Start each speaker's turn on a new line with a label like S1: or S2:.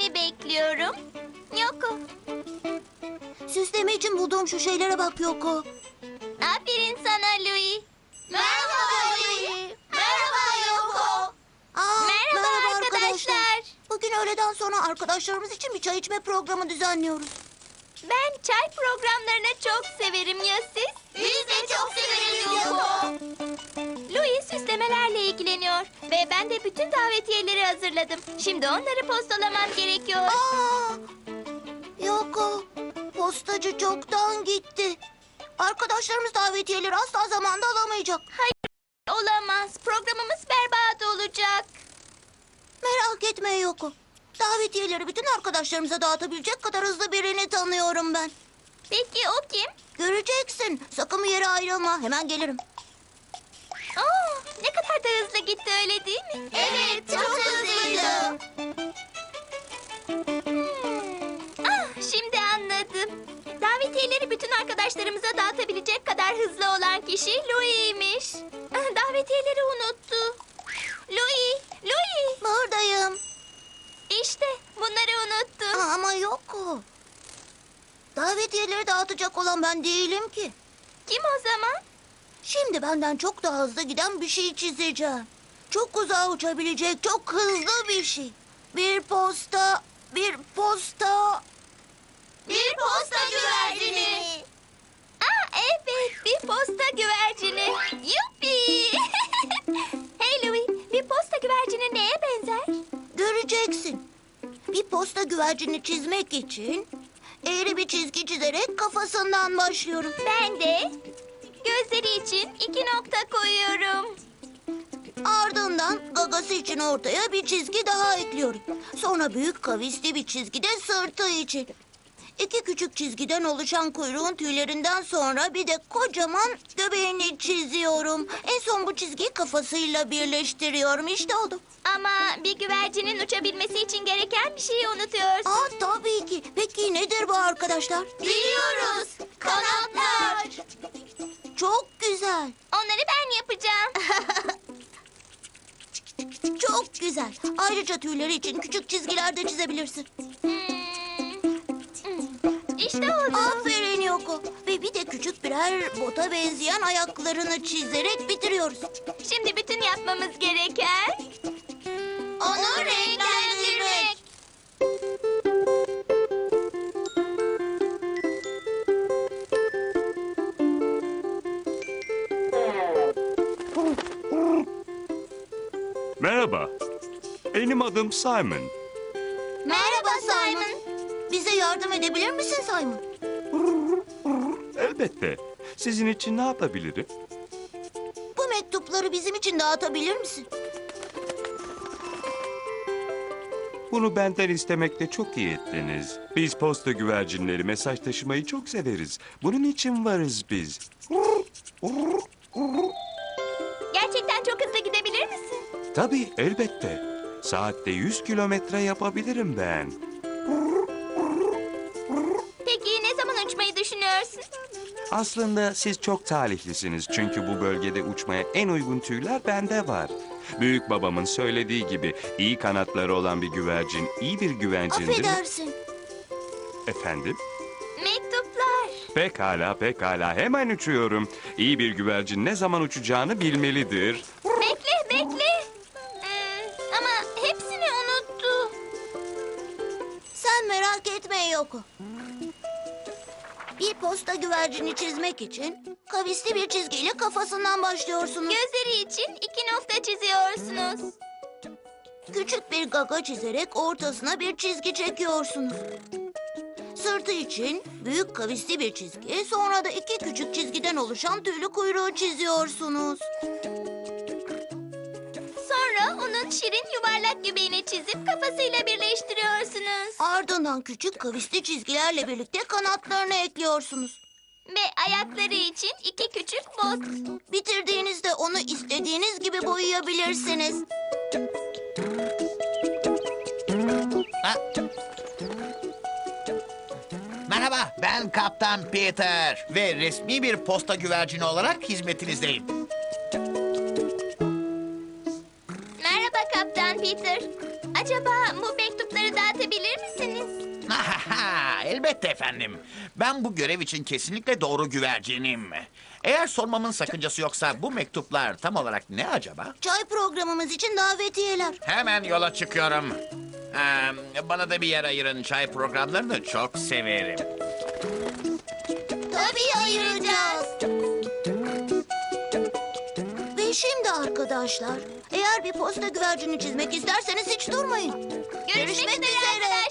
S1: seni bekliyorum. Yoko.
S2: Süsleme için bulduğum şu şeylere bak Yoko.
S1: Aferin sana Louie.
S2: Merhaba Louie. Merhaba Yoko.
S1: Merhaba arkadaşlar.
S2: Bugün öğleden sonra arkadaşlarımız için bir çay içme programı düzenliyoruz.
S1: Ben çay programlarını çok severim ya siz?
S2: Biz de çok severiz Yoko.
S1: Louie süslemelerle ilgileniyor ve ben de bütün davetiyeleri hazırladım. Şimdi onları postalamam gerekiyor.
S2: Yoko, postacı çoktan gitti. Arkadaşlarımız davetiyeleri asla zamanda alamayacak.
S1: Olamaz. Programımız berbat olacak.
S2: Merak etme Yoko. Davetiyeleri bütün arkadaşlarımıza dağıtabilecek kadar hızlı birini tanıyorum ben.
S1: Peki o kim?
S2: Göreceksin. Sakın bir yere ayrılma. Hemen gelirim.
S1: Ne kadar da hızlı gitti öyle değil mi?
S2: Evet, çok hızlıydı.
S1: Şimdi anladım. Davetiyeleri bütün arkadaşlarımıza dağıtabilecek kadar hızlı olan kişi Louie'ymiş. Davetiyeleri unuttu. Louie.
S2: Buradayım.
S1: İşte bunları unuttum.
S2: Ama Yoko. Davetiyeleri dağıtacak olan ben değilim ki.
S1: Kim o zaman?
S2: Şimdi benden çok daha hızlı giden bir şey çizeceğim. Çok uzağa uçabilecek, çok hızlı bir şey. Bir posta. Bir posta güvercini.
S1: Evet, bir posta güvercini. Yuppi! Hey Louie, bir posta güvercini neye benzer?
S2: Göreceksin. Bir posta güvercini çizmek için eğri bir çizgi çizerek kafasından başlıyorum.
S1: Ben de gözleri için 2 nokta koyuyorum.
S2: Ardından gagası için ortaya bir çizgi daha ekliyorum. Sonra büyük kavisli bir çizgi de sırtı için. 2 küçük çizgiden oluşan kuyruğun tüylerinden sonra bir de kocaman göbeğini çiziyorum. En son bu çizgiyi kafasıyla birleştiriyorum. İşte oldu.
S1: Ama bir güvercinin uçabilmesi için gereken bir şeyi unutuyorsun.
S2: Tabii ki. Peki nedir bu arkadaşlar?
S1: Biliyoruz. Kanatlar.
S2: Çok güzel.
S1: Onları ben yapacağım.
S2: Çok güzel. Ayrıca tüyleri için küçük çizgiler de çizebilirsin.
S1: İşte oldu.
S2: Aferin Yoko. Ve bir de küçük birer bota benzeyen ayaklarını çizerek bitiriyoruz.
S1: Şimdi bütün yapmamız gereken
S2: Onu renklendirmek.
S3: Merhaba. Benim adım Simon.
S2: Merhaba Simon. Bize yardım edebilir misin Simon?
S3: Elbette. Sizin için ne yapabilirim?
S2: Bu mektupları bizim için dağıtabilir misin?
S3: Bunu benden istemekte çok iyi ettiniz. Biz posta güvercinleri mesaj taşımayı çok severiz. Bunun için varız biz.
S1: gerçekten çok hızlı gidebilir misin?
S3: Tabii, elbette. Saatte 100 kilometre yapabilirim ben.
S1: Peki ne zaman uçmayı düşünüyorsun?
S3: Aslında siz çok talihlisiniz. Çünkü bu bölgede uçmaya en uygun tüyler bende var. Büyük babamın söylediği gibi iyi kanatları olan bir güvercin iyi bir güvercindir.
S2: Affedersin.
S3: Efendim?
S1: Mektuplar.
S3: Pekala. Hemen uçuyorum. İyi bir güvercin ne zaman uçacağını bilmelidir.
S1: Bekle. Ama hepsini unuttu.
S2: Sen merak etme Yoko. Bir posta güvercini çizmek için kavisli bir çizgiyle kafasından başlıyorsunuz.
S1: Gözleri için 2 nokta çiziyorsunuz.
S2: Küçük bir gaga çizerek ortasına bir çizgi çekiyorsunuz. Sırtı için büyük kavisli bir çizgi, sonra da 2 küçük çizgiden oluşan tüylü kuyruğu çiziyorsunuz.
S1: Sonra onun şirin yuvarlak göbeğini çizip kafasıyla birleştiriyorsunuz.
S2: Ardından küçük kavisli çizgilerle birlikte kanatlarını ekliyorsunuz.
S1: Ve ayakları için 2 küçük bot.
S2: Bitirdiğinizde onu istediğiniz gibi boyayabilirsiniz.
S4: Merhaba, ben Kaptan Peter ve resmi bir posta güvercini olarak hizmetinizdeyim.
S1: Merhaba Kaptan Peter. Acaba bu mektupları dağıtabilir verebilir misiniz?
S4: Elbette efendim. Ben bu görev için kesinlikle doğru güvercinim. Eğer sormamın sakıncası yoksa bu mektuplar tam olarak ne acaba?
S2: Çay programımız için davetiyeler.
S4: Hemen yola çıkıyorum. Bana da bir yer ayırın. Çay programlarını çok severim.
S2: Tabii ayıracağız. Ve şimdi arkadaşlar, eğer bir posta güvercini çizmek isterseniz hiç durmayın.
S1: Görüşmek üzere arkadaşlar.